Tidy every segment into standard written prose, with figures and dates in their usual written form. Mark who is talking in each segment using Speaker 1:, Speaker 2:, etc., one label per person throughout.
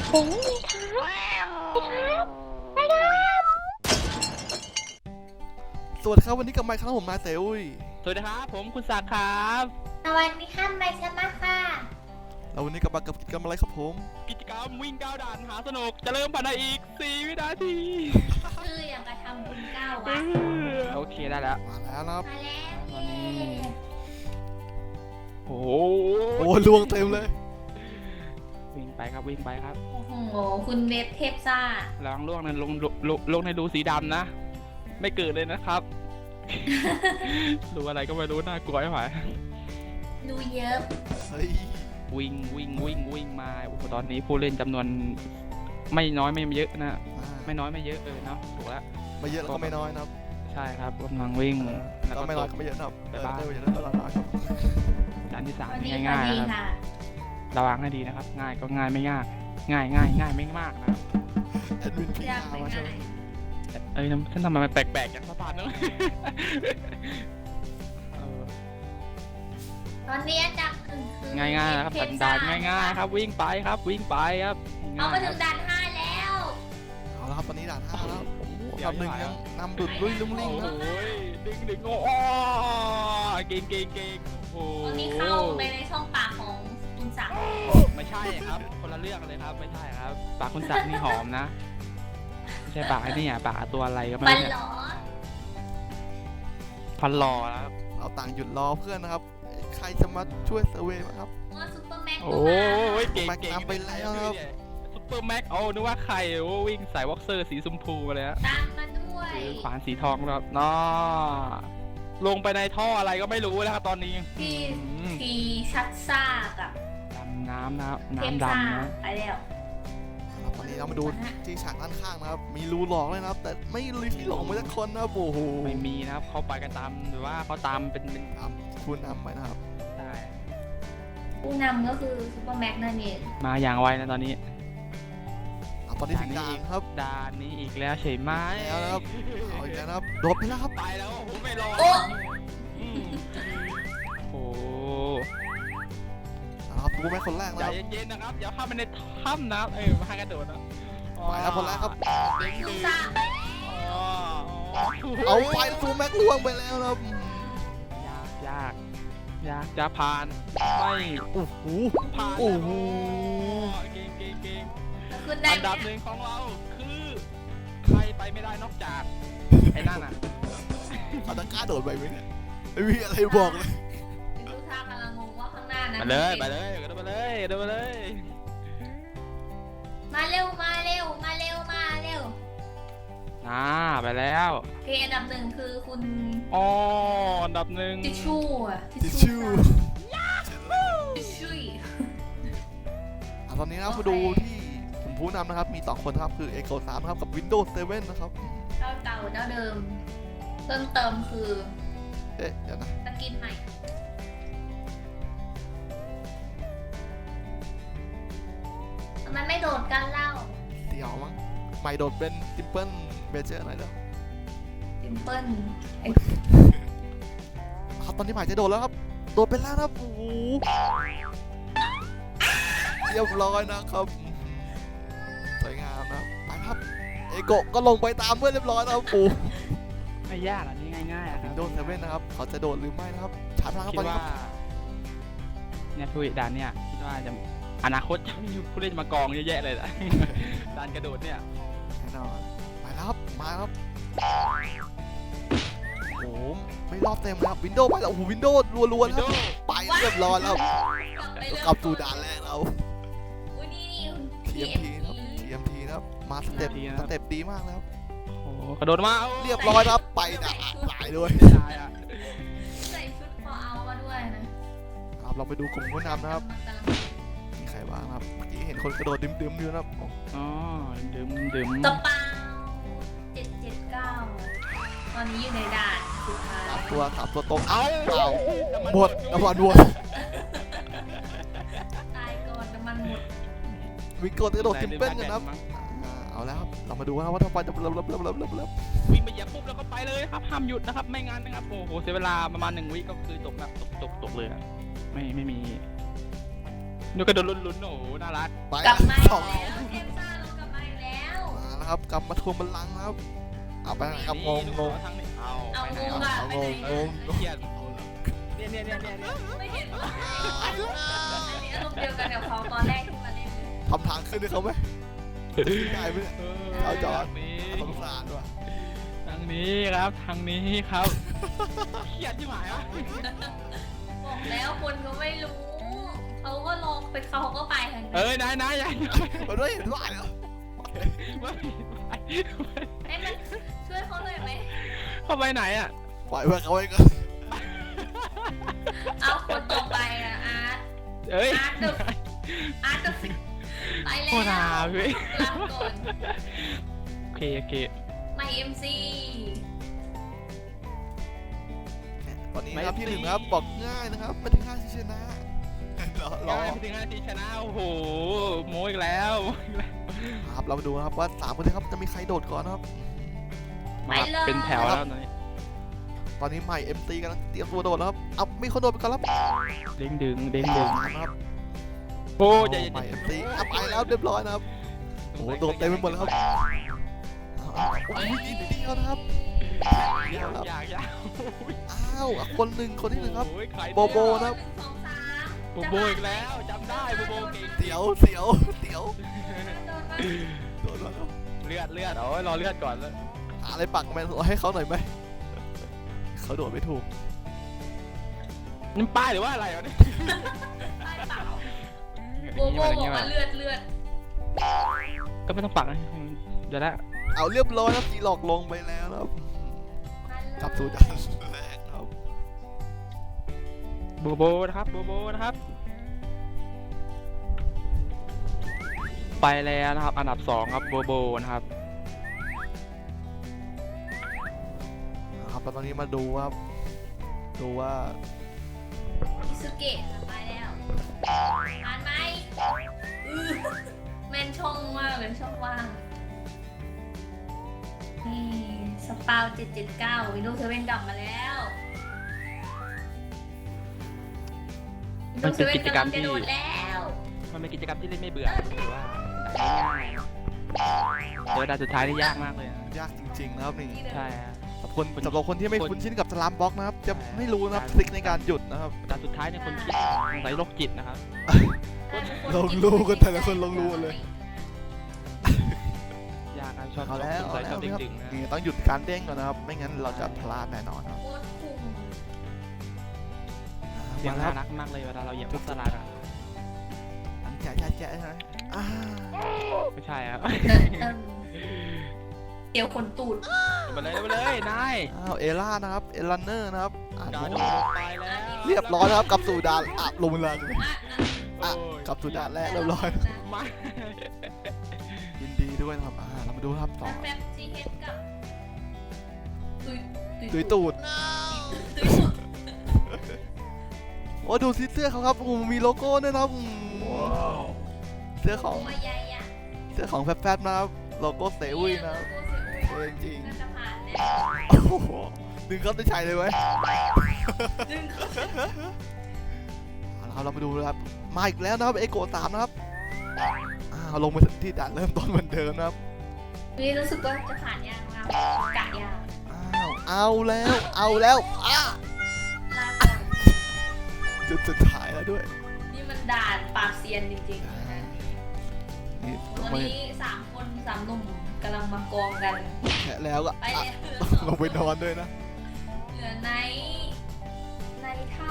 Speaker 1: ผมนี่ครับไปครับ
Speaker 2: สวัสดีครับวันนี้กับไมค์ครับผมนายเซอุย
Speaker 3: สวัสดีครับผมคุณศักดิ์ครับ
Speaker 1: สวัสดีครับไมค์สมาค่ะ
Speaker 2: แล้ววันนี้กับมากับกิจกรรมอะไรครับผม
Speaker 3: กิจกรรมวิ่งก้าวด่านหาสนุกจะเริ่มภายในอีก4 วินาที
Speaker 1: คืออย่างกระทำบุญเก้าวัด
Speaker 3: โอเคได้แล้ว
Speaker 2: มาแล้วนะครับ
Speaker 1: มาแล้ว
Speaker 3: ตอนนี้ โอ้โห
Speaker 2: โอ้ลวงเต็มเลย
Speaker 3: วิ่งไปครับวิ่งไปครับ
Speaker 1: โอ้โหคุณเวฟเทพซ่า
Speaker 3: ระวังล่วงในลงในรูสีดำนะ ไม่เกิดเลยนะครับ รูอะไรก็ไม่รู้น่ากลัวไม่ไหว
Speaker 1: ดูเยอะ
Speaker 2: เฮ้ย
Speaker 3: วิ่งมาโอ้โหตอนนี้ผู้เล่นจำนวนไม่น้อยไม่เยอะนะไม่น้อยไม่เยอะเนาะถูกแล้ว
Speaker 2: ไม่เยอะแล้วก็ไม่น้อยนะครับ
Speaker 3: ใช่ครับกำลังวิ่งแล้ว
Speaker 2: ก็
Speaker 3: ก็
Speaker 2: ไม่น้อย
Speaker 3: ต
Speaker 2: ก็
Speaker 3: ก
Speaker 2: ไม่เยอะนะครับ
Speaker 3: ไปบ้าน
Speaker 2: ไม่เยอะแล้วก็น้อยครับ
Speaker 3: ด่านที่
Speaker 1: สวัส
Speaker 3: 3
Speaker 1: ดี
Speaker 3: ง่ายๆ
Speaker 1: ดี
Speaker 3: นะครับ
Speaker 1: ค่ะ
Speaker 3: ระวังให้ดีนะครับ ง่ายก็ง่ายไม่ยาก ง่ายไม่มากนะครับ
Speaker 2: แอดมินพี
Speaker 1: อยาก
Speaker 2: อา
Speaker 1: ไป
Speaker 2: ร์มาใช่
Speaker 1: ไห
Speaker 2: ไห
Speaker 1: น
Speaker 2: ม
Speaker 3: เอ้ยฉันทำไมมันแปลกๆอย่างสะพานเนอะเออ
Speaker 1: ตอนนี้จากหนึ่งคือ
Speaker 3: ง่ายๆนะครับ
Speaker 1: เทพ
Speaker 3: ด่า
Speaker 1: ซ่
Speaker 3: นง่ายๆครับวิ่งไปครับวิ่งไปครับ
Speaker 1: เอามา
Speaker 3: ง่ยๆ
Speaker 1: ถึ
Speaker 3: ค
Speaker 1: ง
Speaker 3: รับ
Speaker 1: ด่าน5แล้ว
Speaker 2: เอาละครับตอนนี้ด่าน5แล้วโอ้โห
Speaker 3: เดี๋ยว
Speaker 2: ลำหนึ่งยังนำดุดลุยลุ่ม
Speaker 3: โอ้
Speaker 2: ลิ่ง
Speaker 3: โห
Speaker 2: นะ
Speaker 3: ดึงโอ้เก่งโอ้
Speaker 1: ตอนนี้เข้าไปในช่องปากของคุณศักดิ์
Speaker 3: ไม่ใช่ครับคนละเรื่องเลยครับไม่ใช่ครับปากคุณศักดิ์นี่หอมนะไม่ใช่ปากไอ้นี่อ่ะปากตัวอะไรก็ไม่
Speaker 1: ปัน
Speaker 3: รู้
Speaker 1: หล
Speaker 3: เนี่ย
Speaker 1: อ
Speaker 3: ฟันหล่อแล้วครับ
Speaker 2: เราต่างหยุดรอเพื่อนนะครับใครจะมาช่วยเซอร์เวย์ไหมครับ
Speaker 1: ว่าซุปเปอร์แม็กซ์
Speaker 3: โอ้ยเก่ง
Speaker 2: แม็กนำไปแล้วครับ
Speaker 3: ซุปเปอร์แม็กโอ้นึกว่าใครโอ้วิ่งสายวอล์กเซอร์สีชมพูมาเลยฮะ
Speaker 1: ตามมาด้วย
Speaker 3: ขวานสีทองแล้วน้อลงไปในท่ออะไรก็ไม่รู้แล้วครับตอนนี้
Speaker 1: ที่
Speaker 3: อืม
Speaker 1: ทีชัดซ่ากับ
Speaker 3: ดำน้ำนะครับ
Speaker 1: เทพ
Speaker 3: น้ำ
Speaker 1: ซ่า
Speaker 3: ดำนะ
Speaker 1: ไปแล้ว
Speaker 2: ครับตอนนี้เรามาดูที่ฉากด้านข้างนะครับมีรูหลอกเลยนะครับ แต่ไม่มีที่หลอกมาสักคนนะครับโอ้โห
Speaker 3: ไม่มีนะครับเขาไปกันตามหรือว่าเขาตามเป็น
Speaker 2: ตามคุณนำไปนะครับ
Speaker 3: ใช่
Speaker 1: ผู้นำก็คือซุปเปอร์แม็กซ์นั่นเอง
Speaker 3: มาอย่างไวนะตอนนี้
Speaker 2: ตอนนี้ถึงด่านครับ
Speaker 3: ด่านนี้อีกแล้วใช่ไหม
Speaker 2: แล้วนะครับเอาอีกแล้วนะครับโดดไปแล้วครับ
Speaker 3: ไปแล้วโอ้โหไม่รอ
Speaker 1: โอ้
Speaker 3: อืมโอ้
Speaker 2: นะครับดูแม่คนแรก
Speaker 3: ใจ
Speaker 2: แล้ว
Speaker 3: เย็นๆนะครับอย่าเข้าไปในถ้ำนะมาให้กระโดดนะ
Speaker 2: ไปแล้วคนแรกครับ
Speaker 1: ซูซ่า
Speaker 2: เอาไปซูแม็กล่วงไปแล้วนะครับ
Speaker 3: ยากจะผ่านไม่
Speaker 2: โอ้โห
Speaker 3: ผ่าน
Speaker 2: โอ้โห
Speaker 3: เก่ง
Speaker 1: ขึ้นได้
Speaker 3: อัน
Speaker 1: ไหม
Speaker 3: ดับหนึ่งของเราคือใครไปไม่ได้นอกจากไอ้นั่นอ่ะ
Speaker 2: เอาตะกร้าโดดไปไหมเนี่ยไม่มีอะไรบอกเลย
Speaker 1: ซูซ่ากำลังงงว่าข้างหน้านั้น
Speaker 3: ไปเลยกระโดดไปเลย
Speaker 1: มาเร็วมาเร็วมาเร็วมาเร็ว
Speaker 3: ไปแล้ว
Speaker 1: โอเคอันดับหนึ่งคือคุณ
Speaker 3: อ๋ออันดับหนึ่ง
Speaker 1: ทิชชู่อะ
Speaker 2: ทิชชู่
Speaker 1: ทิชชู่
Speaker 2: ตอนนี้นะครับมาดูที่ผมผู้นำนะครับมี2คนครับคือ Echo 3นะครับกับ Windows 7นะครับ
Speaker 1: เจ้าเก่าเจ้าเดิมเพิ่มเติมคือ
Speaker 2: เอ๊ะเดี๋ยวนะ
Speaker 1: สกินใหม่มันไม่โดดกันเล่า
Speaker 2: เดี๋ยวมั้งใหม่โดดเป็น Simple Major หน่อยเด้อ
Speaker 1: ซิมเปิล
Speaker 2: ครับตอนนี้ใหม่จะโดดแล้วครับโดดไปแล้วนะครับโอ้โหเรียบร้อยนะครับสวยงามนะครับไปครับเอโกะก็ลงไปตามเพื่อนเรียบร้อยนะครับโอ้
Speaker 3: ไม่ยากอันนี้ง่ายๆอะครับ
Speaker 2: Windows 7นะครับเขาจะโดดหรือไม่นะครับชาร์จพลังครับ
Speaker 3: คิ
Speaker 2: ตอ
Speaker 3: ด
Speaker 2: นนี้
Speaker 3: ว่า
Speaker 2: ครับ
Speaker 3: เนี่ยผู้ด่านเนี่ยคิดว่าจะอนาคตจะมีผู้เล่นมากองเยอะแยะเลยนะ ด่านกระโดดเนี่ย
Speaker 2: แน่นอนไปแล้วครับมาครับโอ้โหไม่รอบเต็มนะครับ Windows ไปแล้วโอ้โห Windows รัวๆนะครับไปเรียบร้อยแล้ว กลับสู่ด่านแรกแล้ว
Speaker 1: อุ้ยนี่
Speaker 2: TMT นะครับ TMT นะครับมาสเต็ปดีมากแล้ว
Speaker 3: โอ้โหกระโดดมา
Speaker 2: เรียบร้อยนะครับไปด่านหลายด้วย
Speaker 3: ไม่ได้อะ
Speaker 1: ใส่ชุดพอเอามาด้วยนะครับ
Speaker 2: เราไปดูกลุ่มผู้นำนะครับมีใครบ้างครับเมื่อกี้เห็นคนกระโดดดื่มๆอยู่นะครับ
Speaker 3: อ๋อดื่ม
Speaker 1: กระเป๋า779ตอนนี้อยู่ในด่านสุดท้าย
Speaker 2: สามตัวตรงเอ้า
Speaker 3: เอา
Speaker 2: หมดน้ำมันหมด
Speaker 1: ตายก่อนน้ำมันหมด
Speaker 2: มีกดกระโดดซิมเปิลกันนะครับเอาแล้วครับเรามาดูว่าถ้าไฟจะเริ่ม
Speaker 3: วิ่งไปเหยียบปุ๊บแล้วก็ไปเลยครับห้ามหยุดนะครับไม่งั้นนะครับโอ้โหเสียเวลาประมาณ1 วิก็คือตกแบบตกเลยอะไม่มีดูกระโดดลุ้นๆโอ้โหน่ารัก
Speaker 2: ไป
Speaker 1: กลับมา
Speaker 2: สอง
Speaker 1: แล้วเอ็ม
Speaker 2: นะครับกลับมาทวงบัลลังก์นะครับเอาไปครับงง
Speaker 3: ทั้งนี้เอา
Speaker 1: เอา
Speaker 3: ไปไหน
Speaker 1: งง
Speaker 3: อะ
Speaker 1: อะ
Speaker 2: เอา
Speaker 1: ไป
Speaker 2: ง
Speaker 1: ไหน
Speaker 2: ง
Speaker 3: เขียนเนี่ย
Speaker 1: ไม่เห็นว่าอันนี้อารมณ์เดียวกันกับเขาตอนแรกที่มาเล่นเลย
Speaker 2: ทำทางขึ้นให้เขาไหมได้ไหมเนี่ย เอาจอด
Speaker 3: ทางนี้
Speaker 2: สงสารว่ะ
Speaker 3: ทางนี้ครับทางนี้ครับเขียนที่หมายวะ
Speaker 1: บอกแล้วคนก็ไม่รู้เขาก็ลองไปเขาก็ไปทางนี้
Speaker 3: เอ้ยนาย
Speaker 2: มันไม่เห็นว่าเหรอ
Speaker 3: ไม่
Speaker 1: ให้มันช่วยเขาหน่อยไหม
Speaker 3: เข้าไปไหนอ่ะ
Speaker 2: ปล่อยไว้เขาไว้ก่อน
Speaker 1: เอาคนต่อไปอะอาร์ต
Speaker 3: เอ้ย
Speaker 1: อาร์ตดึกอาร์ตดึกไปแล้ว
Speaker 3: โคตรหาพี่
Speaker 1: ลาก่อน
Speaker 3: โอเค
Speaker 1: ไม่เอ็มซี
Speaker 2: ตอนนี้นะครับที่หนึ่งครับบอกง่ายนะครับไม่ถึง5ที่ชนะรอ
Speaker 3: ยังไม่ถึง5 นาทีชนะโอ้โหโมอีกแล้ว
Speaker 2: ครับเรามาดูนะครับว่า3คนนี้ครับจะมีใครโดดก่อนนะครับ
Speaker 3: มาเป็นแถวแล้วตอนนี้
Speaker 2: ตอนนี้ใหม่ MT กำลังเตรียมตัวโดดแล้วครับเอามีคนโดดไปก่อนแล้ว
Speaker 3: เด้งดึง
Speaker 2: ครับ
Speaker 3: โอ้ใจเย็น
Speaker 2: ใหม่ MT เอาไปแล้วเรียบร้อยนะครับโอ้โหโดดเต็มไปหมดแล้วครับโอ้ยนิดเดียวนะครับเดียวครับ
Speaker 3: อยาก
Speaker 2: อ้าวคนหนึ่งคนที่หนึ่งครับ
Speaker 3: โอ้ยใคร
Speaker 2: โบโบ นะครับ
Speaker 1: 1 2 3
Speaker 3: โบอีกแล้วจำได้โบเก่ง
Speaker 2: เสียวโดดมาครับ
Speaker 3: เลือดโอ้ยรอเลือดก่อนแล้ว
Speaker 2: หาอะไรปักแมนให้เขาหน่อยไหมเขาโดดไม่ถูก
Speaker 3: นี่ป้ายหรือว่าอะไรวะเนี่ย
Speaker 1: ใต้เปล่าโบโบบอกว่าเลือด
Speaker 3: ก็ไม่ต้องปักนะเดี๋ยวละ
Speaker 2: เอาเรียบร้อยครับจีหลอกลงไปแล้วนะครับกลับสู่ด่านแรกครับ
Speaker 3: โบนะครับโบนะครับ ไปแล้วนะครับอันดับ2ครับโบนะครับ
Speaker 2: ครับแล้วตอนนี้มาดูครับดูว่า
Speaker 1: อิสุเกะไปแล้วผ่านไหมแมนช่องมากเลยช่องว่างนี่สปาว779 Windows 7 กลับมาแล้ว
Speaker 3: มันเป็น
Speaker 1: Windows
Speaker 3: กิจ
Speaker 1: 7
Speaker 3: กรร
Speaker 1: กำลั
Speaker 3: ม
Speaker 1: งจะ
Speaker 3: ที่
Speaker 1: โดดแล้ว
Speaker 3: มันเป็นกิจกรรมที่เล่นไม่เบื่อหรือว่าง่ายๆเจอด่านสุดท้ายนี่ยากมากเลยนะ
Speaker 2: ยากจริงๆนะครับนี่
Speaker 1: นี่เลย
Speaker 3: ใช่ฮะ
Speaker 2: สำหรับคนที่ไม่คุ้นชินกับสลามบล็อกนะครับจะไม่รู้นะครับทริคในการหยุดนะครับ
Speaker 3: ด่านสุดท้ายเนี่ยคนคิดสงสัยโรคจิตนะครับ
Speaker 2: ลงรูกันแต่ละคนลงรูเลย
Speaker 3: ยากครับชอบ
Speaker 2: เอาแล้ว
Speaker 3: สง
Speaker 2: เอา
Speaker 3: สัย
Speaker 2: แล้
Speaker 3: ชอ
Speaker 2: ว
Speaker 3: บ
Speaker 2: นะครับ
Speaker 3: ดึงๆนะ
Speaker 2: นี่ต้องหยุดการเด้งก่อนนะครับ ไม่งั้นเราจะพลาดแน่นอนครับ
Speaker 1: โคตรคุ้ม
Speaker 3: เสียง
Speaker 2: มาแล้ว
Speaker 3: น่ารักมากเลยเวลาเราเหยียบพวกสลัดอ่ะ
Speaker 2: แจ๊ะใช่ไหมอ่า
Speaker 3: ไม่ใช่ครับ
Speaker 1: เดี๋ยวคนตูด
Speaker 3: ไปเลยนาย
Speaker 2: อ้าวเอล่านะครับเอลันเนอร์นะครับอ่า
Speaker 3: การโด
Speaker 2: ดู
Speaker 3: ดไปแล้ว
Speaker 2: เรียบร้อยนะครับกลับสู่ด่านลงเลย
Speaker 1: อ่ะ
Speaker 2: กลับสู่ด่านแรกเรียบร้อย
Speaker 3: ไม่
Speaker 2: ยินดีด้วยนะครับเรามาดูครับต่อ
Speaker 1: แฟบจีเฮดกับตุย
Speaker 2: ตุยตูด
Speaker 1: ตุยตูด
Speaker 2: โอ้ดูซิเสื้อเขาครับมีโลโก้ด้วยนะครับเสื้อของ
Speaker 1: ตัวใหญ่อะ
Speaker 2: เสื้อของแฟบๆนะครับโลโก้เซวุยนะครับเท่จริง
Speaker 1: น่าจะผ่านแน่
Speaker 2: โอ้โหดึงเข้าได้ใช้เลยไหม
Speaker 1: ดึงเขา
Speaker 2: เรามาดูนะครับมาอีกแล้วนะครับเอโกะ3นะครับลงมาที่ด่านเริ่มต้นเหมือนเดิมนะครับ
Speaker 1: นี่รู้สึกว่าจะผ่านยากมากกะยาก
Speaker 2: เอาแล้ว
Speaker 1: ลาก่อน
Speaker 2: จุดสุดท้ายแล้วด้วย
Speaker 1: นี่มันด่านปราบเซียนจริงๆนะ
Speaker 2: นี่
Speaker 1: วันนี้3 คน3 หนุ่มกำลังมากองกัน
Speaker 2: แค่แล้วก็
Speaker 1: ไปเลย
Speaker 2: ลงไปนอนด้วยนะ
Speaker 1: เหลือไนท่า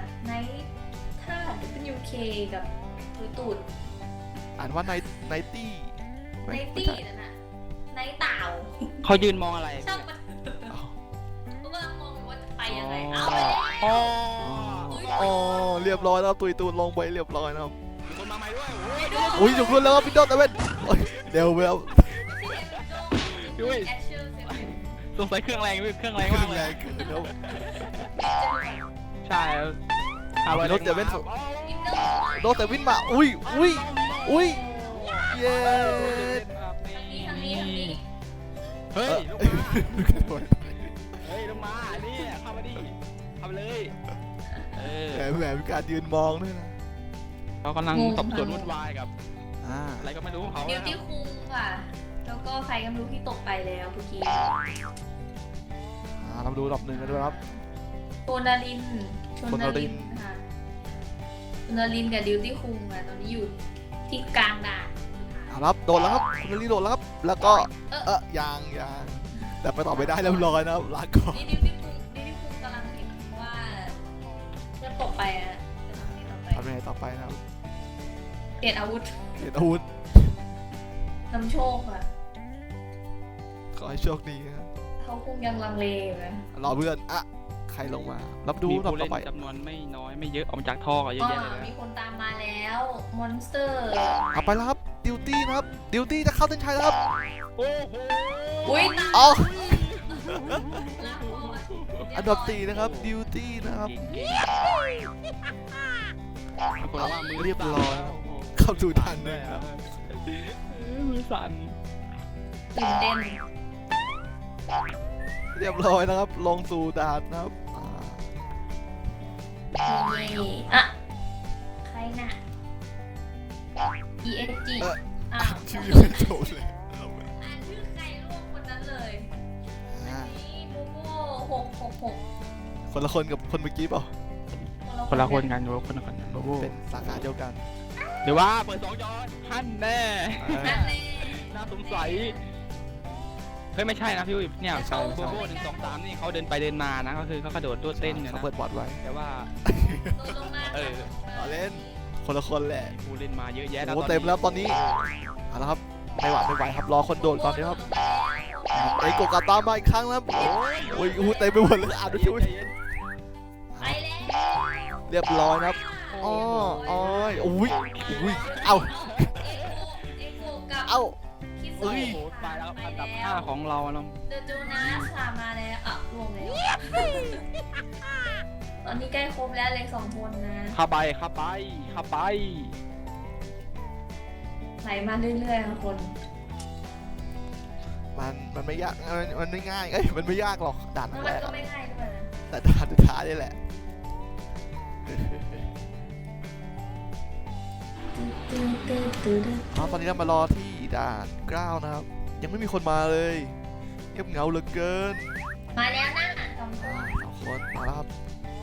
Speaker 1: WK กับตุยตูด
Speaker 2: อ่านว่าไนตี้
Speaker 1: ไนตี้นั่นน่ะไนเต่า
Speaker 3: เขายืนมองอะไร
Speaker 1: ช่างมันก็กำลังมองอยู่ว่าจะไปยังไง
Speaker 3: อ๋อ
Speaker 1: เอาไปแล้ว
Speaker 3: อ๋อ
Speaker 2: อ๋อเรียบร้อยแล้วตุยตูนลงไปเรียบร้อยนะครับ
Speaker 3: มีคนมาใหม่ด้วย
Speaker 2: อุ้ยจุกรุ่นแล้วครับพี่โดนแต่เว้นเดี๋ยวไปแล้ว
Speaker 1: แอชเชอร์เซเว่น
Speaker 3: สงสัยเครื่องแรงเครื่องแรง
Speaker 2: ขึ้
Speaker 3: มาก
Speaker 2: น
Speaker 3: เล
Speaker 2: แร
Speaker 3: ย
Speaker 2: งขึ้นแล้ว
Speaker 3: ใช่
Speaker 2: รถเดี๋ยวเป็น
Speaker 1: อินเตอร์
Speaker 2: โดนแต่วินมาอุ้ยเย้
Speaker 1: ทางนี้
Speaker 3: เฮ้ยลงมาเฮ้ยลงมานี่เข้ามาดิเข้ามาเลย
Speaker 2: แหมมีการยืนมองด้วยนะ
Speaker 3: เขากำลังสอบสวนวุ่นวายกับ
Speaker 2: อ่า
Speaker 3: อะไรก็ไม่รู้ของเขา
Speaker 1: ดิวตี้คุงค่ะแล้วก็ใครก็ไม่รู้ที่ตกไปแล้วเมื่อกี้
Speaker 2: เรามาดูอันดับหนึ่งกันด้วยครับ
Speaker 1: โชนาริน
Speaker 2: โชนาริน
Speaker 1: ค่ะโชนารินกับดิวตี้คุงอะตอนนี้อยู่ที่กลางด่าน
Speaker 2: เอาละครับโดดแล้วครับคุณนารีโดดแล้วครับแล้วก็ยังแต่ไปต่อไม่ได้เรียบร้อยนะครับลาก่อน
Speaker 1: นี่ดิวตี้คุงกำลังเห็นว่าจะตกไปอะจะทำยังไงต่อไป
Speaker 2: ทำยังไงต่อไปนะครับ
Speaker 1: เปลี่ยนอาวุธ
Speaker 2: เห็นอาวุธ
Speaker 1: นำโชคอะ
Speaker 2: ขอให้โชคดีครับ
Speaker 1: เขาคงยังลังเลอยู่นะ
Speaker 2: รอเพื่อนใครลงมารับดู
Speaker 3: มี
Speaker 2: รอบ
Speaker 3: ผู้
Speaker 2: ต่
Speaker 3: เล่
Speaker 2: อน ไป
Speaker 3: จำนวนไม่น้อยไม่เยอะออกมาจากท่อก็เยอะแยะเลย
Speaker 1: มี
Speaker 3: นะ
Speaker 1: คนตามมาแล้วมอนสเตอร์
Speaker 2: เอาไปแล้วครับดิวตี้นะครับดิวตี้จะเข้าเส้นชัยแล้วครับ
Speaker 3: โอ้โห
Speaker 1: อุ้ย
Speaker 2: เอา
Speaker 1: ลาก่อน
Speaker 2: อันดับ4นะครับดิวตี้นะครับ
Speaker 3: เก่งคนว่ามือ
Speaker 2: เรียบร้อยเข้าสู่ทางหนึ่งครับ
Speaker 3: มือสั่น
Speaker 1: ตื่นเต้น
Speaker 2: เรียบร้อยนะครับลงสู่ด่านนะครับ
Speaker 1: นี่อะใครน่ะ ESG อ้าว
Speaker 2: ชื่อยังไม่จบเลย
Speaker 1: อ่านชื่อใครร่วมคนนั้นเลย
Speaker 2: อ่า
Speaker 1: นี่โบโบ666
Speaker 2: คนละคนกับคนเมื่อกี้เปล่า
Speaker 3: คนละคนกันโว้คนละคนกันโอ้โห
Speaker 2: เป็นสาขาเดียวกัน
Speaker 3: หรือว่าเปิด2 จอท่านแน่
Speaker 1: นั่นเอง
Speaker 3: น่าสงสัยเฮ้ยไม่ใช่นะพี่อุ้ยเนี่ย
Speaker 1: ไม่ใช่
Speaker 3: โบโบ1 2 3นี่เขาเดินไปเดินมานะก็คือเขากระโดดตัวเต้นเนี่ย
Speaker 2: เขา
Speaker 3: นะ
Speaker 2: เปิดบอร์ดไว้
Speaker 3: แต่ว่า
Speaker 1: โดนลงมา
Speaker 3: เออ
Speaker 2: เอาเล่นคนละคนแหละ
Speaker 3: มีผู้เล่นมาเยอะแยะ
Speaker 2: โอ้เต็มแล้วตอนนี้เอาละครับไม่ไหวครับรอคนโดดก่อนนะครับไอ้โกกาตามมาอีกครั้งแล้วโอ้ยเต็มไปหมดเลยดูชิว
Speaker 1: ไปแล้ว
Speaker 2: เรียบร้อยนะครับอ้ออ้อยอุ้ยเอ้า
Speaker 1: เอโกกับ
Speaker 2: เอ้า
Speaker 1: คิโซ
Speaker 2: เอ้ย
Speaker 3: โอ้โหตายแล้วอันดับ
Speaker 1: ไปแล้ว
Speaker 3: 5ของเราแล้ว
Speaker 1: เดอะโจนาสค่ะมาแล้วอ่ะรวมแล้วตอนนี้ใกล้ครบแล้วเลย2 คนนะ
Speaker 3: เข้าไป
Speaker 1: ไหลมาเรื่อยๆค่ะคน
Speaker 2: มันไม่ยากมันไม่ง่ายมันไม่ยากหรอกด่าน
Speaker 1: แล้ว
Speaker 2: แร
Speaker 1: มัน
Speaker 2: ก
Speaker 1: ก็ไม่ง่ายด้วยนะ
Speaker 2: แต่ด่านสุดท้ายนี่แหละตอนนี้เรามารอที่ด่าน9นะครับยังไม่มีคนมาเลยเงียบเหงาเหลือเกิน
Speaker 1: มาแล้วนะ2 คน
Speaker 2: 2 คนมาแล้วครับ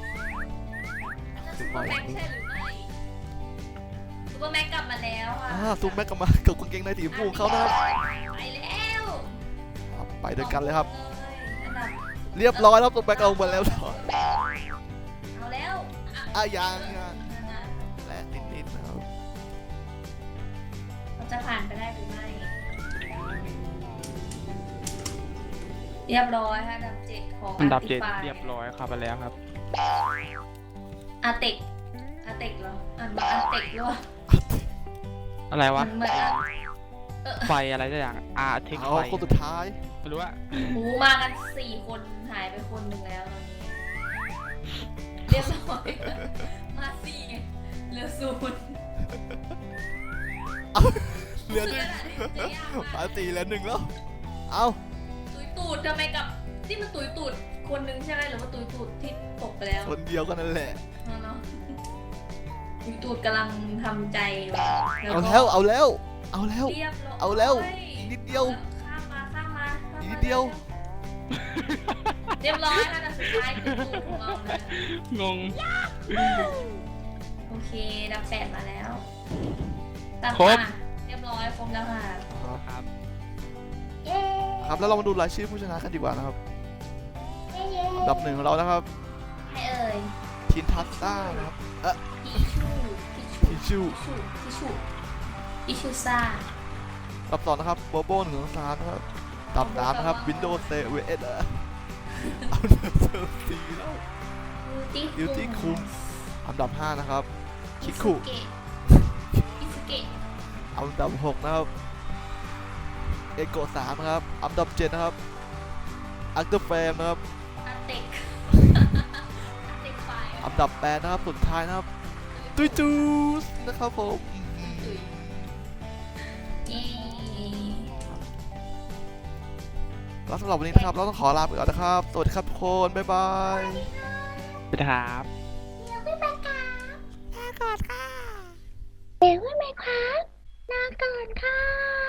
Speaker 1: ซูเปอร์แม็กใช่หรือไม่ซูเปอร์แม็กกลับมาแล้วค่ะ
Speaker 2: ซูมแม็กกลับมากับกางเกงในสีชมพูของเขานะครับ
Speaker 1: ไปแล้ว
Speaker 2: ไปด้วยกันเลยครับ
Speaker 1: อันดับ
Speaker 2: เรียบร้อยแล้วซูมแม็กเอามาแล้ว
Speaker 1: เอาแล้ว
Speaker 2: ยังและนิดๆนะครับ
Speaker 1: เราจะผ่านไปได้หรือไม่ เรียบร้อยค่ะอันดับ7ของ
Speaker 3: อันดับ
Speaker 1: Artify
Speaker 3: 7เรียบร้อยครับไปแล้วครับ
Speaker 1: อาเต็กเหรออ่านว่าอาเต็กหรือว่า
Speaker 3: อะไรวะ
Speaker 1: มันเหมือน
Speaker 3: ไฟอะไรสักอย่างเทค
Speaker 2: เอา
Speaker 3: ไฟ
Speaker 2: คนสุดท้าย
Speaker 3: ไม่รู้ว่า
Speaker 1: หูมากัน4 คนหายไปคนหนึ่งแล้วตอนนี้ เรียบร้อยมา4ไงเหลือ0
Speaker 2: เหลือหนึ่งมา4เหลือ1แล้วเอา
Speaker 1: ตุยตูดทำไมกับที่มันตุยตูดคนหนึงใช่ไหมหรือว่าตุยตูดที่ตกไปแล้ว
Speaker 2: คนเดียวก็นั่นแหละ
Speaker 1: เนาะตุยตูดกำลังทำใจอยู่
Speaker 2: เอาแล้ว
Speaker 1: เรียบร้อย
Speaker 2: เอาแล้วอีกนิดเดียว
Speaker 1: ข้ามมา
Speaker 2: อีกนิดเดียว
Speaker 1: เรียบร้อยค่ะแต่สุดท้ายคือตูดของเรานะ
Speaker 3: งง
Speaker 1: โอเคดับ8มาแล้วตัด
Speaker 3: ครบ
Speaker 1: มาเรียบร้อยครบแล้วค่ะ
Speaker 3: ครับ
Speaker 1: เย้
Speaker 2: ครับแล้วเรามาดูรายชื่อผู้ชนะกันดีกว่านะครับอันดับ 1ของเรานะครับ
Speaker 1: ให้เอ่ย
Speaker 2: ทินทัสต้านะครับ
Speaker 1: ทิชชู่ อิชูซ่า
Speaker 2: อันดับ 2นะครับโบโบ1 2 3นะครับอันดับ 3นะครับ Windows 7เอาเดอร์ซีแล้ว บิวตี้คุมอันดับ 5นะครับคิคุ
Speaker 1: อิสเกะ
Speaker 2: อันดับ 6นะครับเอโกะ3นะครับอันดับ 7นะครับอัคเตอร์แฟมนะครับ
Speaker 1: อาเต็กอาเต็กไฟ
Speaker 2: อันดับ 8นะครับสุดท้ายนะครับตุยจูสนะครับผม
Speaker 1: เย้
Speaker 2: แล้วสำหรับวันนี้นะครับเราต้องขอลาไปก่อนนะครับสวัสดีครับทุกคนบ๊ายบาย
Speaker 3: สวัสดีครับ
Speaker 1: เดี๋ยวไม่ไปครับ
Speaker 2: ลาก่อนค่ะ
Speaker 1: เดี๋ยวไม่ไปครับลาก่อนค่ะ